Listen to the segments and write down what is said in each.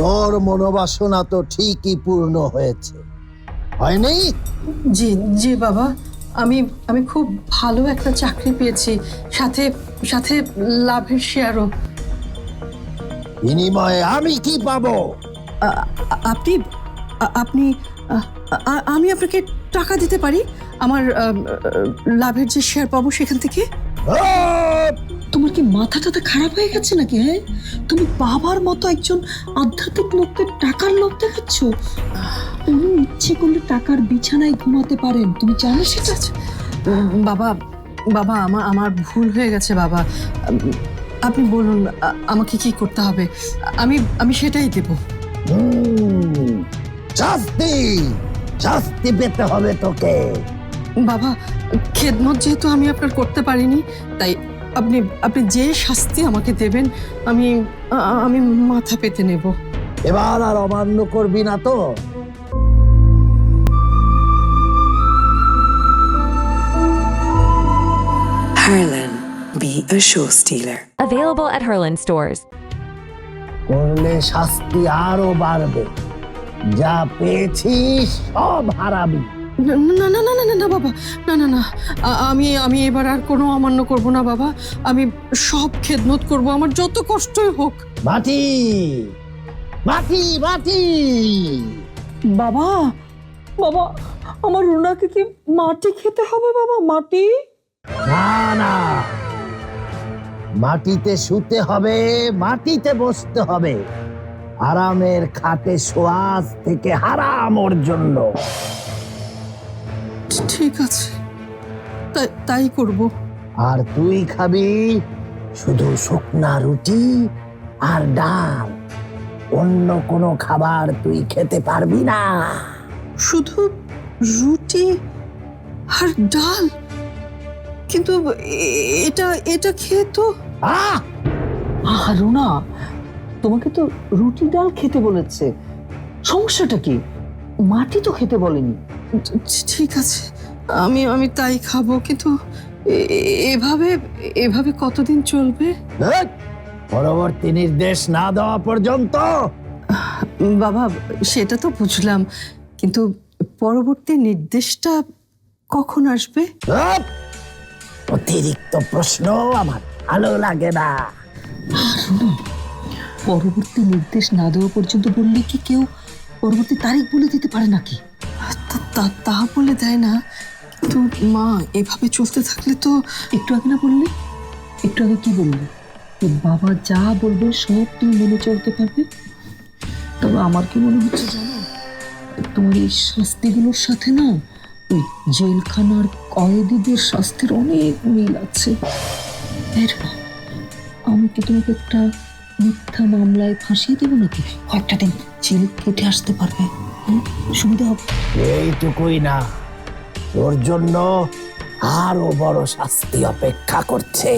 তোর মনোবাসনা তো ঠিকই পূর্ণ হয়েছে, হয়নি? জি জি বাবা, আমি আমি খুব ভালো একটা চাকরি পেয়েছি, সাথে সাথে লাভের শেয়ারও। বিনিময়ে আমি কি পাবো? আপনি আপনি আমি আপনাকে টাকা দিতে পারি, আমার লাভের যে শেয়ার পাবো সেখান থেকে। তোমার কি মাথা টাথা খারাপ হয়ে গেছে নাকি? হ্যাঁ, তুমি বাবার মতো একজন আধ্যাত্মিক লোককে টাকার লোভ দেখাচ্ছ। উনি ইচ্ছে করলে টাকার বিছানায় ঘুমাতে পারেন, তুমি জানো সেটা? বাবা বাবা আমার ভুল হয়ে গেছে বাবা, আপনি বলুন আমাকে কি করতে হবে, আমি সেটাই দেব। শাস্তি শাস্তি পেতে হবে তোকে। বাবা, খেদমত যেহেতু আমি আপনার করতে পারিনি, তাই আপনি আপনি যে শাস্তি আমাকে দেবেন আমি আমি মাথা পেতে নেব। এবার আর অমান্য করবি না তো? Harlan, be a show stealer. Available at Herland stores. করলে শাস্তি আরো বাড়বে, যা পেয়েছিস সব হারাবি। না না না না না না বাবা, না না না, আমি এবার আর কোনো অমান্য করব না বাবা, আমি সব খেদমত করব, আমার যত কষ্টই হোক। মাটি মাটি মাটি। বাবা, বাবা, আমার রুনাকে কি মাটি খেতে হবে? বাবা, মাটি? না না, মাটিতে শুতে হবে, মাটিতে বসতে হবে। আরামের খাটে শোয়াজ থেকে হারাম ওর জন্য। ঠিক আছে, তাই করব। আর তুই খাবি শুধু শুকনা রুটি আর ডাল, অন্য কোনো খাবার তুই খেতে পারবি না। শুধু রুটি আর ডাল? কিন্তু এটা এটা খেয়ে তো। রুনা, তোমাকে তো রুটি ডাল খেতে বলেছে, সমস্যাটা কি? মাটি তো খেতে বলেনি। ঠিক আছে, আমি তাই খাবো, কিন্তু এভাবে এভাবে কতদিন চলবে? ধ্যাৎ, পরবর্তী নির্দেশ না দেওয়া পর্যন্ত। বাবা, সেটা তো বুঝলাম, কিন্তু পরবর্তী নির্দেশটা কখন আসবে? ধ্যাৎ, অতিরিক্ত প্রশ্ন আমার ভালো লাগে না। পরবর্তী নির্দেশ না দেওয়া পর্যন্ত বললে কি কেউ পরবর্তী তারিখ বলে দিতে পারে নাকি? তা বলে দেয় না, কিন্তু মা এভাবে চলতে থাকলে তো। একটু আগে না বললে? একটু আগে কি বললে? যে বাবা যা বলবে সব তুমি মেনে চলতে পারবে। তবে আমার কি মনে হচ্ছে জানো, তোমার এই শাস্তিগুলোর সাথে না ওই জেলখানার কয়েদিদের শাস্তির অনেক মিল আছে। আমি কি তোমাকে একটা মিথ্যা মামলায় ফাঁসিয়ে দেবো নাকি? কয়েকটা দিন জেল কেটে আসতে পারবে, সুবিধা হবে। এইটুকুই না, তোর জন্য আরো বড় শাস্তি অপেক্ষা করছে।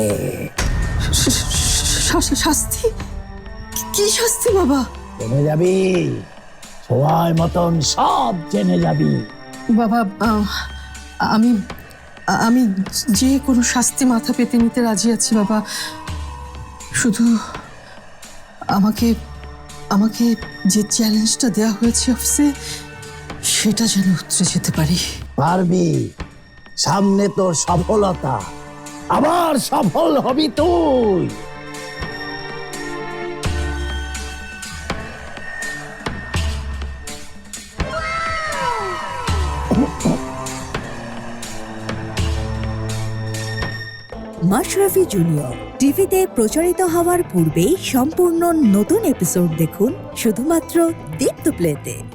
শাস্তি? কি শাস্তি বাবা? জেনে যাবি, সময় মতন সব জেনে যাবি। বাবা, আমি আমি যে কোনো শাস্তি মাথা পেতে নিতে রাজি আছি বাবা, শুধু আমাকে আমাকে যে চ্যালেঞ্জটা দেওয়া হয়েছে অফিসে সেটা যেন উতরে যেতে পারি। পারবি, সামনে তোর সফলতা, আবার সফল হবি তুই। মাশরাফি জুনিয়র টিভিতে প্রচারিত হওয়ার পূর্বেই সম্পূর্ণ নতুন এপিসোড দেখুন শুধুমাত্র দীপ্ত প্লেতে।